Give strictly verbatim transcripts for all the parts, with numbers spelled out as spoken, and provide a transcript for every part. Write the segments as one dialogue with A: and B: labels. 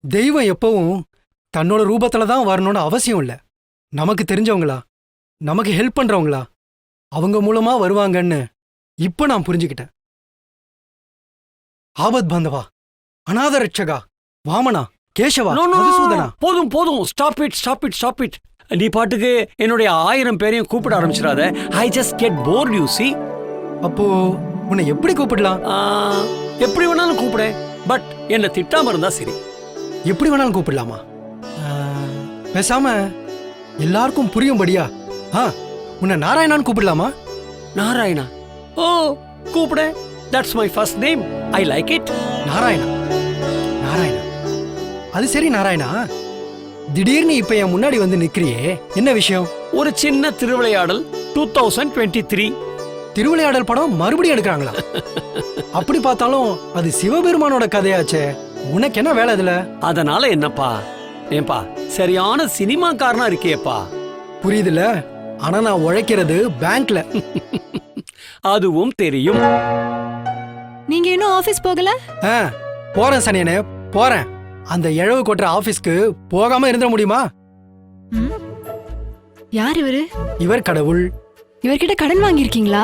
A: தெய்வம் எப்பவும் தன்னோட ரூபத்துல தான் வரணும்னு அவசியம் இல்லை. நமக்கு தெரிஞ்சவங்களா, நமக்கு ஹெல்ப் பண்றவங்களா, அவங்க மூலமா வருவாங்கன்னு இப்ப நான் புரிஞ்சுக்கிட்டேன். ஆபத் பாந்தவா, அநாத ரட்சகா, வாமனா, Keshava,
B: No, no, no, no.
A: மதுசூதனா.
B: போதும் போதும், stop it stop it stop it. நீ பாட்டுக்கு என்னுடைய ஆயிரம் பேரையும் கூப்பிட ஆரம்பிச்சிடாத. I just get bored you see.
A: அப்போ உன்னை எப்படி கூப்பிடலாம்?
B: எப்படி வேணாலும் கூப்பிடு, பட் என்ன திட்டாம இருந்தா சரி.
A: எப்படி வேணாலும் கூப்பிடலாமா? ஆ, பேசாம எல்லாருக்கும் புரியும்படியா ஆ உன்னை நாராயணான்னு கூப்பிடலாமா?
B: நாராயணா? ஓ, கூப்பிடு. That's my first name. I like it.
A: நாராயணா, நாராயணா. அது சரி நாராயணா, திடீர்னு இப்ப என் முன்னாடி வந்து நிக்கிறியே, என்ன விஷயம்?
B: ஒரு சின்ன Thiruvilaiyadal. Two thousand twenty three
A: Thiruvilaiyadal படம் மறுபடியும் எடுக்கிறாங்களா? அப்படி பார்த்தாலும் அது சிவபெருமானோட கதையாச்சே, உனக்கு என்ன வேலை இதுல?
B: அதனால என்னப்பா? ஏன்பா சரியான சினிமாக்காரனா இருக்கியப்பா.
A: புரியுதுல, ஆனா நான் உழைக்கிறது பேங்க்ல.
B: அதுவும் தெரியும்.
C: நீங்க இன்னும் ஆபீஸ் போகல?
A: ஆ, போறேன் சனியனே, போறேன். அந்த இழவு கொட்டுற ஆபீஸ்க்கு போகாம இருந்துட முடியுமா?
C: ம்? யார் இவரு?
A: இவர் கடவுள்.
C: இவர்கிட்ட கடன் வாங்கியிருக்கீங்களா?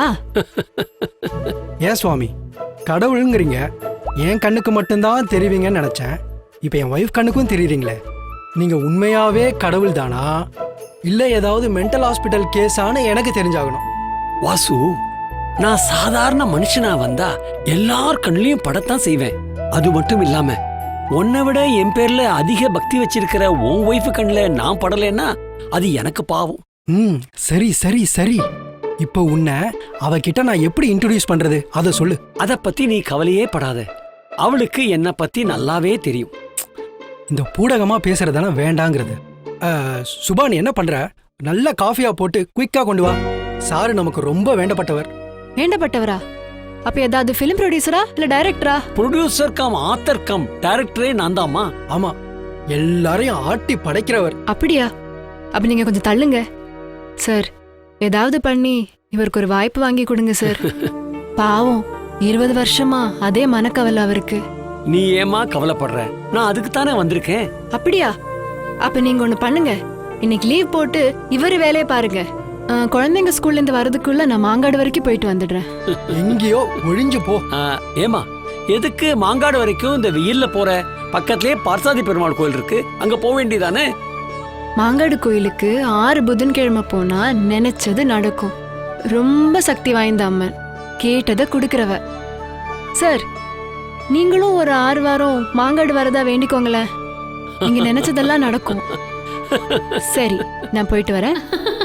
A: ஏன் சுவாமி கடவுளுங்கிறீங்க? என் கண்ணுக்கு மட்டும்தான் தெரிவிங்கன்னு நினைச்சேன். இப்ப என் ஒய்ஃப் கண்ணுக்கும் தெரியுறீங்களே. நீங்க உண்மையாவே கடவுள் தானா, இல்ல ஏதாவது மென்டல் ஹாஸ்பிட்டல் கேஸானு எனக்கு தெரிஞ்சாகணும்.
B: வாசு, நான் சாதாரண மனுஷனா வந்தா எல்லார் கண்ணிலையும் படத்தான் செய்வேன். அது மட்டும் இல்லாம உன்னை விட என் பேர்ல அதிக பக்தி வச்சிருக்கிற உன் ஒய்ஃபு கண்ணுல நான் படலைன்னா அது எனக்கு பாவம்.
A: ம், சரி சரி சரி. இப்போ உன்னை அவகிட்ட நான் எப்படி இன்ட்ரோடியூஸ் பண்றது, அத சொல்லு.
B: அத பத்தி நீ கவலையே படாத. அவளுக்கு என்ன பத்தி நல்லாவே தெரியும்.
A: இந்த பூடகமா பேசுறதான வேண்டாங்கிறது. ஆ, சுபா நீ என்ன பண்ற? நல்ல காஃபியா போட்டு குயிக்கா கொண்டு வா. சாரு நமக்கு ரொம்ப வேண்டப்பட்டவர்.
C: வேண்டப்பட்டவரா? அப்ப ஏதாவது பிலிம் ப்ரொடியூசரா இல்ல டைரக்டரா?
B: ப்ரொடியூசர் கம் ஆத்தர் கம் டைரக்டரே நான் தாம்மா.
A: ஆமா, எல்லாரையும் ஆட்டி படைக்கிறவர்.
C: அப்படியா? அப்ப நீங்க கொஞ்சம் தள்ளுங்க சார். ஏதாவது பண்ணி இவருக்கு ஒரு வாய்ப்பு வாங்கி கொடுங்க சார். பாவம், இருபது வருஷமா அதே மனக்கவலை அவருக்கு.
B: நீ ஏமா கவலைப்படுற? நான் அதுக்கு தானே வந்திருக்கேன்.
C: அப்படியா? அப்ப நீங்க ஒண்ணு பண்ணுங்க, இன்னைக்கு லீவ் போட்டு இவரு வேலையை பாருங்க. ஆ, குழந்தைங்க ஸ்கூல்ல இருந்து வரதுக்குள்ள நான் மாங்காடு வரைக்கும் போயிட்டு வந்துடுறேன்.
A: எங்கேயோ ஒழிஞ்சு போ.
B: ஆ, ஏமா எதுக்கு மாங்காடு வரைக்கும் இந்த வெயில்ல போற? பக்கத்திலே பார்சாதி பெருமாள் கோயில் இருக்கு, அங்க போக வேண்டியதானே?
C: மாங்காடு கோயிலுக்கு ஆறு புதன்கிழமை போனா நினைச்சது நடக்கும். ரொம்ப சக்தி வாய்ந்த அம்மன், கேட்டதை குடுக்கறவ. சார், நீங்களும் ஒரு ஆறு வாரம் மாங்காடு வரதா வேண்டிக்கோங்களேன், நீங்க நினைச்சதெல்லாம் நடக்கும். சரி, நான் போயிட்டு வரேன்.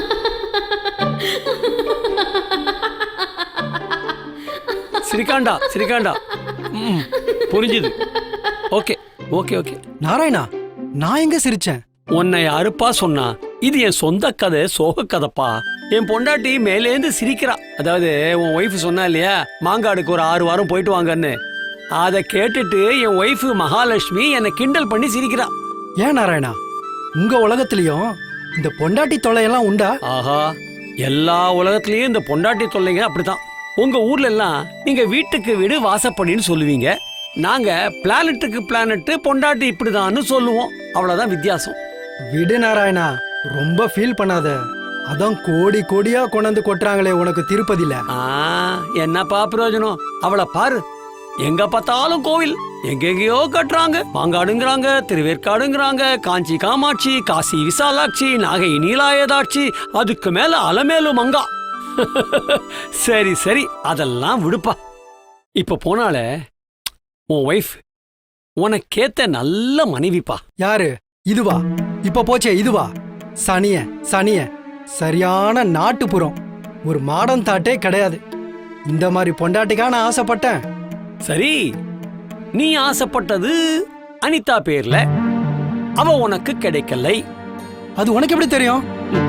B: சிரிக்காண்டா சிரிக்காண்டா. ம், புரிஞ்சுது. Okay okay okay.
A: நாராயணா, நான் எங்க சிரிச்சேன்?
B: உன்னை யாருப்பா சொன்னா? இது என் சொந்த கதை, சோக கதைப்பா. என் பொண்டாட்டி மேலேந்து சிரிக்கிறா. அதாவது உன் ஒய்ஃப் சொன்னா இல்லையா, மாங்காடுக்கு ஒரு ஆறு வாரம் போயிட்டு வாங்கன்னு. அதை கேட்டுட்டு என் ஒய்ஃப் மகாலட்சுமி என்னை கிண்டல் பண்ணி சிரிக்கிறா.
A: ஏன் நாராயணா, உங்க உலகத்திலயும் இந்த பொண்டாட்டி தொல்லையெல்லாம் உண்டா?
B: ஆஹா, எல்லா உலகத்திலயும் இந்த பொண்டாட்டி தொல்லைங்க அப்படித்தான். உங்க ஊர்ல எல்லாம் நீங்க வீட்டுக்கு வீடு வாசப்படின்னு சொல்லுவீங்க. நாங்க பிளானட்டுக்கு பிளானட் பொண்டாட்டி இப்படிதான்னு சொல்லுவோம். அவ்வளவுதான் வித்தியாசம்.
A: விடு நாராயணா, ரொம்ப ஃபீல் பண்ணாத. அதான் கோடி கோடியா கொண்டாந்து கொட்டுறாங்களே உனக்கு திருப்பதியில.
B: ஆ, என்னப்பா பிரயோஜனம்? அவளை பாரு, எங்க பார்த்தாலும் கோவில், எங்கெங்கயோ கட்டுறாங்க. மாங்காடுங்கிறாங்க, திருவேற்காடுங்கிறாங்க, காஞ்சி காமாட்சி, காசி விசாலாட்சி, நாகை நீலாயதாட்சி, அதுக்கு மேல அலமேலு மங்கா. சரி சரி, அதெல்லாம் விடுப்பா. இப்ப போனால உன் ஒய்ஃப் உனக்கேத்த நல்ல மனைவிப்பா.
A: யாரு? இதுவா? இப்ப போச்சே இதுவா? சனிய சனிய சரியான நாட்டுப்புறம். ஒரு மாடம் தாட்டே கிடையாது. இந்த மாதிரி பொண்டாட்டிக்கா நான் ஆசைப்பட்டேன்.
B: சரி, நீ ஆசைப்பட்டது அனிதா பேர்ல, அவ உனக்கு கிடைக்கலை.
A: அது உனக்கு எப்படி தெரியும்?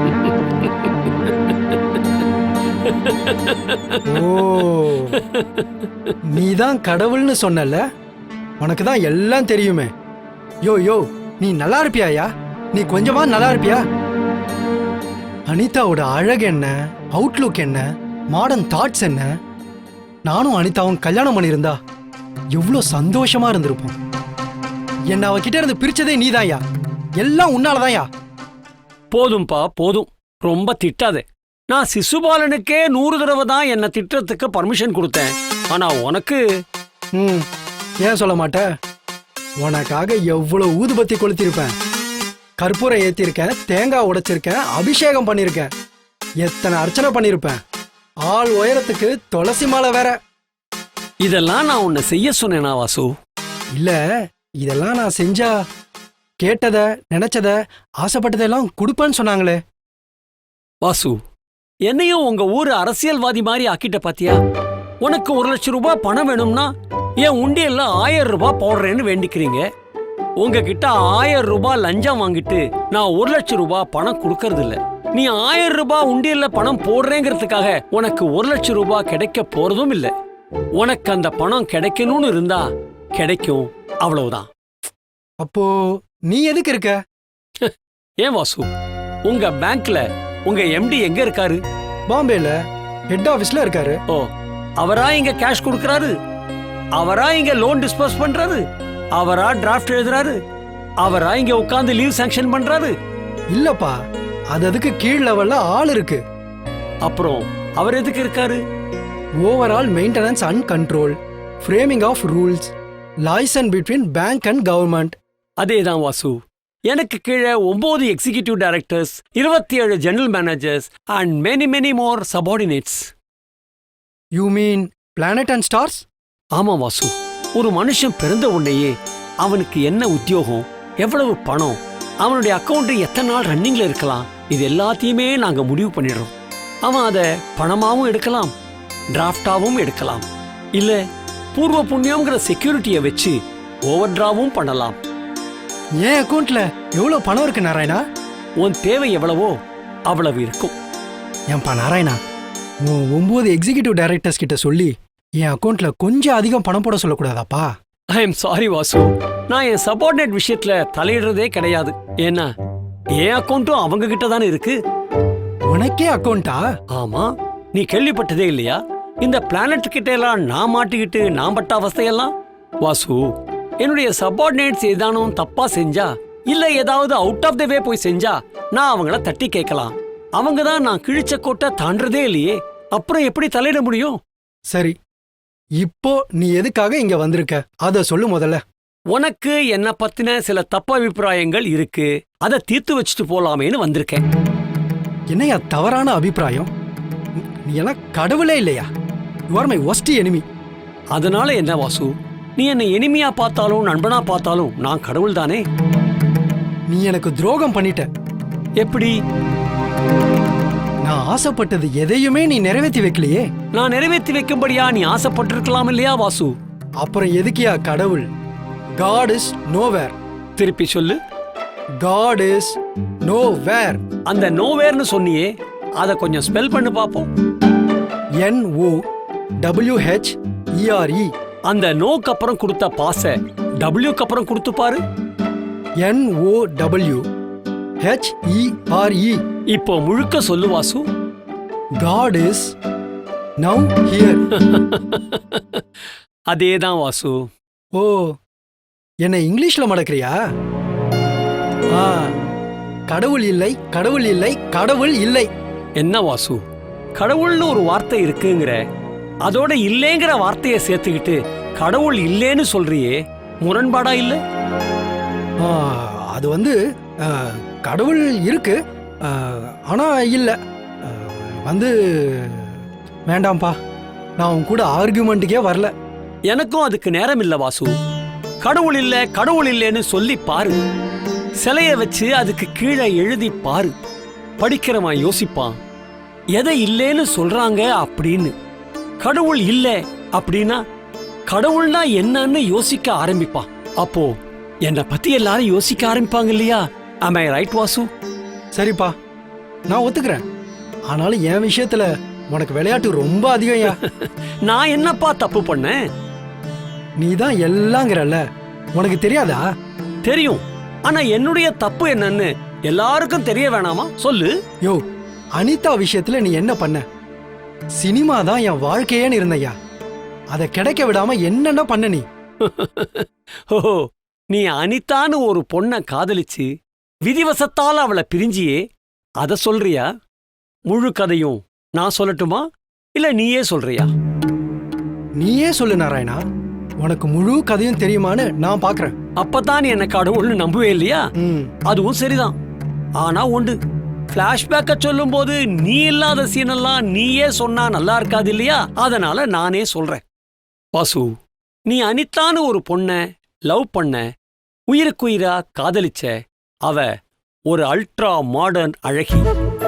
A: ஓ, நீதான் கடவுள்னு சொன்னல, உனக்கு தான் எல்லாம் தெரியுமே. யோ யோ, நீ நல்லா இருப்பியாயா? நீ கொஞ்சமா நல்லா இருப்பியா? அனிதாவோட அழகு என்ன, அவுட்லுக் என்ன, மாடர்ன் தாட்ஸ் என்ன? நானும் அனிதாவும் கல்யாணம் பண்ணியிருந்தா எவ்வளோ சந்தோஷமா இருந்திருப்போம். என்ன அவகிட்ட இருந்து பிரிச்சதே நீதான்யா. எல்லாம் உன்னாலதான்யா.
B: போதும்பா போதும், ரொம்ப திட்டாதே. நான் சிசுபாலனுக்கே நூறு தடவை தான் என்ன திட்டத்துக்கு பர்மிஷன் கொடுத்தேன். ஆனா உனக்கு
A: ம் ஏன் சொல்ல மாட்ட? உனக்காக எவ்வளவு ஊதுபத்தி கொளுத்திருப்பேன், கற்பூரம் ஏத்திருக்கேன், தேங்காய் உடைச்சிருக்கேன், அபிஷேகம் பண்ணிருக்கேன், எத்தனை அர்ச்சனை பண்ணிருப்பேன். ஆள் உயரத்துக்கு துளசி மாலை வேற.
B: இதெல்லாம் நான் உன்னை செய்ய சொன்னேனா வாசு?
A: இல்ல, இதெல்லாம் நான் செஞ்சா கேட்டத நினைச்சத ஆசைப்பட்டதெல்லாம் கொடுப்பேன்னு சொன்னாங்களே.
B: வாசு, என்னையும் உங்க ஊரு அரசியல்வாதி மாதிரி ஆக்கிட்ட பாத்தியா? உனக்கு ஒரு லட்சம் ரூபாய் பணம் வேணும்னா என் உண்டியல்ல ஆயிரம் ரூபாய் போடுறேன்னு வேண்டிக்கிறீங்க. உங்ககிட்ட ஆயிரம் ரூபாய் லஞ்சம் வாங்கிட்டு நான் ஒரு லட்சம் ரூபாய் பணம் கொடுக்கறது இல்ல. நீ ஆயிரம் ரூபாய் உண்டியல்ல பணம் போடுறேங்கிறதுக்காக உனக்கு ஒரு லட்சம் ரூபாய் கிடைக்க போறதும் இல்ல. உனக்கு அந்த பணம் கிடைக்கணும்னு இருந்தா கிடைக்கும், அவ்வளவுதான்.
A: அப்போ நீ எதுக்கு இருக்க?
B: ஏன் வாசு, உங்க பேங்க்ல உங்க எம்டி எங்க இருக்காரு?
A: பாம்பேல ஹெட் ஆபீஸ்ல இருக்காரு.
B: ஓ, அவரா இங்க கேஷ் கொடுக்கறாரு? அவரா இங்க லோன் டிஸ்பர்ஸ் பண்றாரு? அவரா டிராஃப்ட் எழுதுறாரு? அவரா இங்க உட்கார்ந்து லீவ் சாங்ஷன் பண்றாரு?
A: இல்லப்பா, அது அதுக்கு கீழ் லெவல்ல ஆள் இருக்கு.
B: அப்புறம் அவர் எதுக்கு இருக்காரு?
A: Overall maintenance and control, framing of rules, liaison between bank and government.
B: அதேதான் வாசு, எனக்கு கீழே ஒன்பது எக்ஸிகியூட்டிவ் டைரக்டர்ஸ், இருபத்தி ஏழு general managers and many many more subordinates.
A: You mean planet and stars?
B: ஆமா வாசு, ஒரு மனுஷன் பிறந்த உடனேயே அவனுக்கு என்ன உத்தியோகம், எவ்வளவு பணம், அவனுடைய அக்கௌண்ட் எத்தனை நாள் ரன்னிங்ல இருக்கலாம், இது எல்லாத்தையுமே நாங்க முடிவு பண்ணிடுறோம். அவன் அதை பணமாவும் எடுக்கலாம், டிராஃப்டாவும் எடுக்கலாம், இல்ல பூர்வ புண்ணியம்ங்கிற செக்யூரிட்டியை வச்சு ஓவர் டிராவும் பண்ணலாம்.
A: என் அக்கௌண்ட்ல எவ்வளவு பணம் இருக்கு நாராயணா?
B: உன் தேவை எவ்வளவோ அவ்வளவு இருக்கும்.
A: ஏன்பா நாராயணா, உன் ஒன்பது எக்ஸிகியூட்டிவ் டைரக்டர்ஸ் கிட்ட சொல்லி என் அக்கௌண்ட்ல கொஞ்சம் அதிகம் பணம் போட சொல்லக்கூடாதாப்பா?
B: ஐ எம் சாரி வாசு, நான் என் சபார்டினேட் விஷயத்துல தலையிடுறதே கிடையாது. ஏன்னா என் அக்கௌண்ட்டும் அவங்க கிட்ட தானே இருக்கு.
A: உனக்கே அக்கௌண்டா?
B: ஆமா, நீ கேள்விப்பட்டதே இல்லையா? இந்த பிளானட் கிட்ட எல்லாம் நான் மாட்டிக்கிட்டு நான் பட்ட அவஸ்தையெல்லாம். வாசு, என்னுடைய சபார்டினேட்ஸ் ஏதானும் தப்பா செஞ்சா இல்ல ஏதாவது அவுட் ஆஃப் த வே போய் செஞ்சா நான் அவங்கள தட்டி கேட்கலாம். அவங்க தான் நான் கிழிச்ச கோட்டை தாண்டறதே இல்லையே, அப்புறம் எப்படி தலையிட முடியும்?
A: சரி, இப்போ நீ எதுக்காக இங்க வந்திருக்க அத சொல்லு முதல்ல.
B: உனக்கு என்ன பத்தின சில தப்பு அபிப்பிராயங்கள் இருக்கு, அதை தீர்த்து வச்சுட்டு போலாமேன்னு வந்திருக்கேன்.
A: என்னையா தவறான அபிப்பிராயம்? நீ எல்லாம் கடவுளே இல்லையா? You are my worst enemy.
B: அதனால என்ன வாசு, நீ என்னை எனிமியா பார்த்தாலும் நண்பனா பார்த்தாலும் நான் கடவுள் தானே.
A: நீ எனக்கு துரோகம் பண்ணிட்ட.
B: எப்படி?
A: நான் ஆசைப்பட்டது எதையுமே நீ நிறைவேற்றி வைக்கலையே.
B: நான் நிறைவேற்றி வைக்கும்படியா நீ ஆசைப்பட்டிருக்கலாம் இல்லையா வாசு?
A: அப்புறம் எதுக்கியா கடவுள்? God is nowhere.
B: திருப்பி சொல்லு.
A: God is nowhere.
B: அந்த நோவேர்னு சொன்னியே, அத கொஞ்சம் ஸ்பெல் பண்ணு பாப்போம்.
A: N O W H E R E.
B: அந்த நோக்கு அப்புறம் கொடுத்த பாச டபிள்யூக்கு அப்புறம் கொடுத்து பாரு.
A: N O W H E R E.
B: இப்போ முழுக்க சொல்லு Vasu.
A: God is now here.
B: அதேதான் வாசு.
A: ஓ, என்ன இங்கிலீஷ்ல மடக்கிறியா? ஆ, கடவுள் இல்லை, கடவுள் இல்லை, கடவுள் இல்லை.
B: என்ன வாசு, கடவுள்னு ஒரு வார்த்தை இருக்குங்கிற, அதோட இல்லேங்கிற வார்த்தையை சேர்த்துக்கிட்டு கடவுள் இல்லேன்னு சொல்றியே, முரண்பாடா இல்ல?
A: ஆ, அது வந்து ஆ, கடவுள் இருக்கு, ஆ, ஆனா இல்ல. ஆ, வந்து வேண்டாம்ப்பா, நான் உன் கூட ஆர்கியூமெண்ட்டுக்கே வரல.
B: எனக்கும் அதுக்கு நேரம் இல்ல வாசு. கடவுள் இல்ல கடவுள் இல்லேன்னு சொல்லி பாரு, சிலைய வச்சு அதுக்கு கீழே எழுதி பாரு, படிக்கிறவன் யோசிப்பான் எதை இல்லேன்னு சொல்றாங்க அப்படின்னு. கடவுள் இல்ல அப்படின்னா கடவுள்னா என்னன்னு யோசிக்க ஆரம்பிப்பான். அப்போ என்னை பத்தி எல்லாரும் யோசிக்க ஆரம்பிப்பாங்க இல்லையா? Am I right Vasu?
A: சரிப்பா, நான் ஒத்துக்கிறேன். ஆனாலும் என் விஷயத்துல உனக்கு விளையாட்டு ரொம்ப அதிகம்யா.
B: நான் என்னப்பா தப்பு பண்ணேன்?
A: நீ தான் எல்லாங்கிறல்ல, உனக்கு தெரியாதா?
B: தெரியும், ஆனா என்னுடைய தப்பு என்னன்னு எல்லாருக்கும் தெரிய வேணாமா? சொல்லு.
A: யோ, அனிதா விஷயத்துல நீ என்ன பண்ண? சினிமா தான் என் வாழ்க்கையேன்னு இருந்தையா, அதை கிடைக்க விடாம என்னென்ன பண்ண நீ?
B: ஓ, நீ அனிதான்னு ஒரு பொண்ண காதலிச்சு விதிவசத்தால அவளை பிரிஞ்சியே அத சொல்றியா? முழு கதையும் நான் சொல்லட்டுமா இல்ல நீயே சொல்றியா?
A: நீயே சொல்லு நாராயணா, உனக்கு முழு கதையும் தெரியுமான்னு நான் பாக்குறேன்.
B: அப்பதான் நீ என்ன கடவுள்னு நம்புவே இல்லையா?
A: ம்.
B: அதுவும் சரிதான். ஆனா உண்டு, பிளாஷ்பேக்க சொல்லும் போது நீ இல்லாத சீனெல்லாம் நீயே சொன்னா நல்லா இருக்காது இல்லையா? அதனால நானே சொல்றேன். வாசு, நீ அனிதான்னு ஒரு பொண்ண லவ் பண்ண, உயிருக்குயிரா காதலிச்ச. அவ ஒரு அல்ட்ரா மாடர்ன் அழகி.